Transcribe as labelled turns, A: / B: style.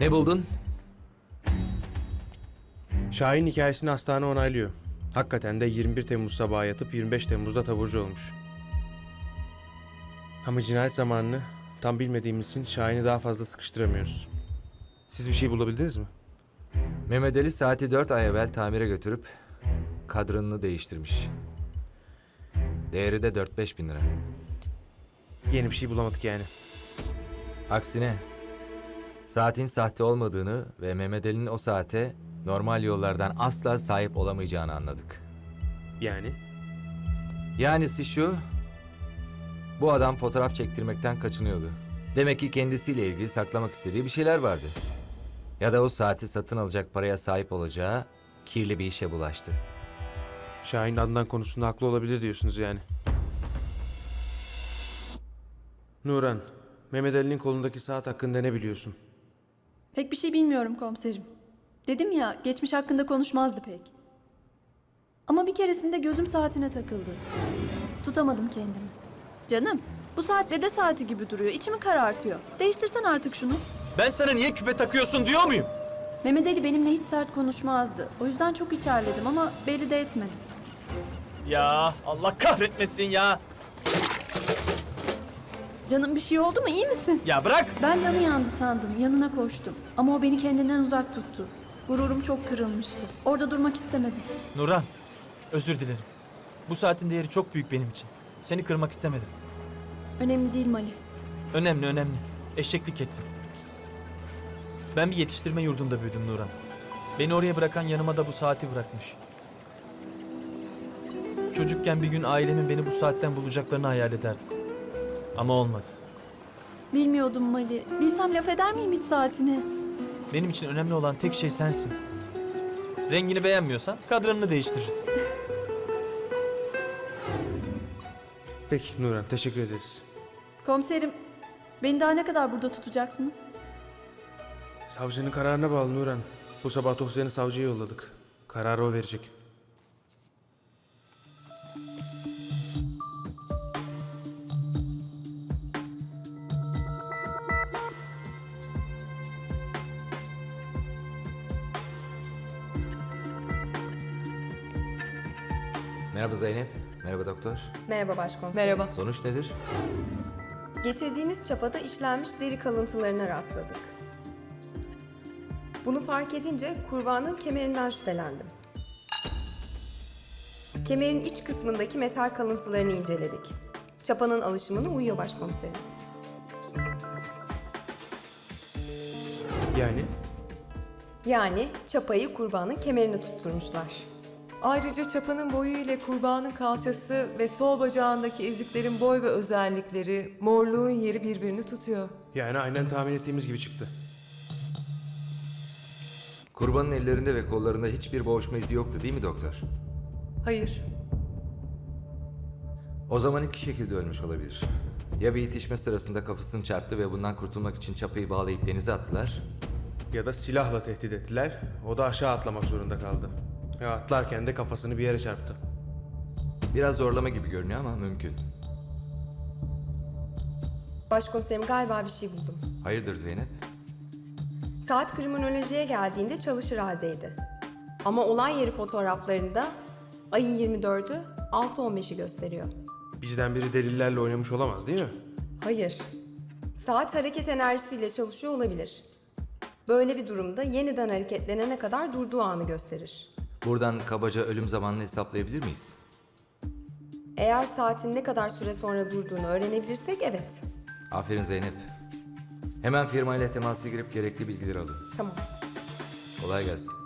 A: Ne buldun?
B: Şahin hikayesini hastane onaylıyor. Hakikaten de 21 Temmuz sabahı yatıp 25 Temmuz'da taburcu olmuş. Ama cinayet zamanını tam bilmediğimiz için Şahin'i daha fazla sıkıştıramıyoruz. Siz bir şey bulabildiniz mi?
A: Mehmet Ali saati 4 ay evvel tamire götürüp kadranını değiştirmiş. Değeri de 4-5 bin lira.
B: Yeni bir şey bulamadık yani.
A: Aksine saatin sahte olmadığını ve Mehmet Ali'nin o saate normal yollardan asla sahip olamayacağını anladık.
B: Yani?
A: Yanisi şu, bu adam fotoğraf çektirmekten kaçınıyordu. Demek ki kendisiyle ilgili saklamak istediği bir şeyler vardı. Ya da o saati satın alacak paraya sahip olacağı kirli bir işe bulaştı.
B: Şahin Adnan konusunda haklı olabilir diyorsunuz yani. Nuran, Mehmet Ali'nin kolundaki saat hakkında ne biliyorsun?
C: Pek bir şey bilmiyorum komiserim. Dedim ya, geçmiş hakkında konuşmazdı pek. Ama bir keresinde gözüm saatine takıldı. Tutamadım kendimi. Canım, bu saat dede saati gibi duruyor. İçimi karartıyor. Değiştirsen artık şunu.
D: Ben sana niye küpe takıyorsun diyor muyum?
C: Mehmet Ali benimle hiç sert konuşmazdı. O yüzden çok içerledim ama belli de etmedim.
D: Ya Allah kahretmesin ya.
C: Canım bir şey oldu mu? İyi misin?
D: Ya bırak.
C: Ben canı yandı sandım. Yanına koştum. Ama o beni kendinden uzak tuttu. Gururum çok kırılmıştı. Orada durmak istemedim.
D: Nurhan, özür dilerim. Bu saatin değeri çok büyük benim için. Seni kırmak istemedim.
C: Önemli değil Mali.
D: Önemli, önemli. Eşeklik ettim. Ben bir yetiştirme yurdunda büyüdüm Nurhan. Beni oraya bırakan yanıma da bu saati bırakmış. Çocukken bir gün ailemin beni bu saatten bulacaklarını hayal ederdim. Ama olmadı.
C: Bilmiyordum Mali. Bilsem laf eder miyim hiç saatine?
D: Benim için önemli olan tek şey sensin. Rengini beğenmiyorsan kadranını değiştiririz.
B: Peki Nuran, teşekkür ederiz.
C: Komiserim, beni daha ne kadar burada tutacaksınız?
B: Savcının kararına bağlı Nuran. Bu sabah dosyanı savcıya yolladık. Kararı o verecek.
A: Merhaba Zeynep, merhaba doktor.
E: Merhaba başkomiserim.
F: Merhaba.
A: Sonuç nedir?
E: Getirdiğiniz çapada işlenmiş deri kalıntılarına rastladık. Bunu fark edince kurbanın kemerinden şüphelendim. Kemerin iç kısmındaki metal kalıntılarını inceledik. Çapanın alışımına uyuyor başkomiserim. Yani çapayı kurbanın kemerine tutturmuşlar.
F: Ayrıca çapanın boyu ile kurbanın kalçası ve sol bacağındaki eziklerin boy ve özellikleri, morluğun yeri birbirini tutuyor.
B: Yani aynen tahmin ettiğimiz gibi çıktı.
A: Kurbanın ellerinde ve kollarında hiçbir boğuşma izi yoktu değil mi doktor?
F: Hayır,
A: O zaman iki şekilde ölmüş olabilir. Ya bir itişme sırasında kafasını çarptı ve bundan kurtulmak için çapayı bağlayıp denize attılar.
B: Ya da silahla tehdit ettiler. O da aşağı atlamak zorunda kaldı. Ya atlarken de kafasını bir yere çarptı.
A: Biraz zorlama gibi görünüyor ama mümkün.
E: Başkomiserim galiba bir şey buldum.
A: Hayırdır Zeynep?
E: Saat kriminolojiye geldiğinde çalışır haldeydi. Ama olay yeri fotoğraflarında ayın 24'ü 6.15'i gösteriyor.
B: Bizden biri delillerle oynamış olamaz değil mi?
E: Hayır. Saat hareket enerjisiyle çalışıyor olabilir. Böyle bir durumda yeniden hareketlenene kadar durduğu anı gösterir.
A: Buradan kabaca ölüm zamanını hesaplayabilir miyiz?
E: Eğer saatin ne kadar süre sonra durduğunu öğrenebilirsek evet.
A: Aferin Zeynep. Hemen firmayla temasa girip gerekli bilgileri alın.
E: Tamam.
A: Kolay gelsin.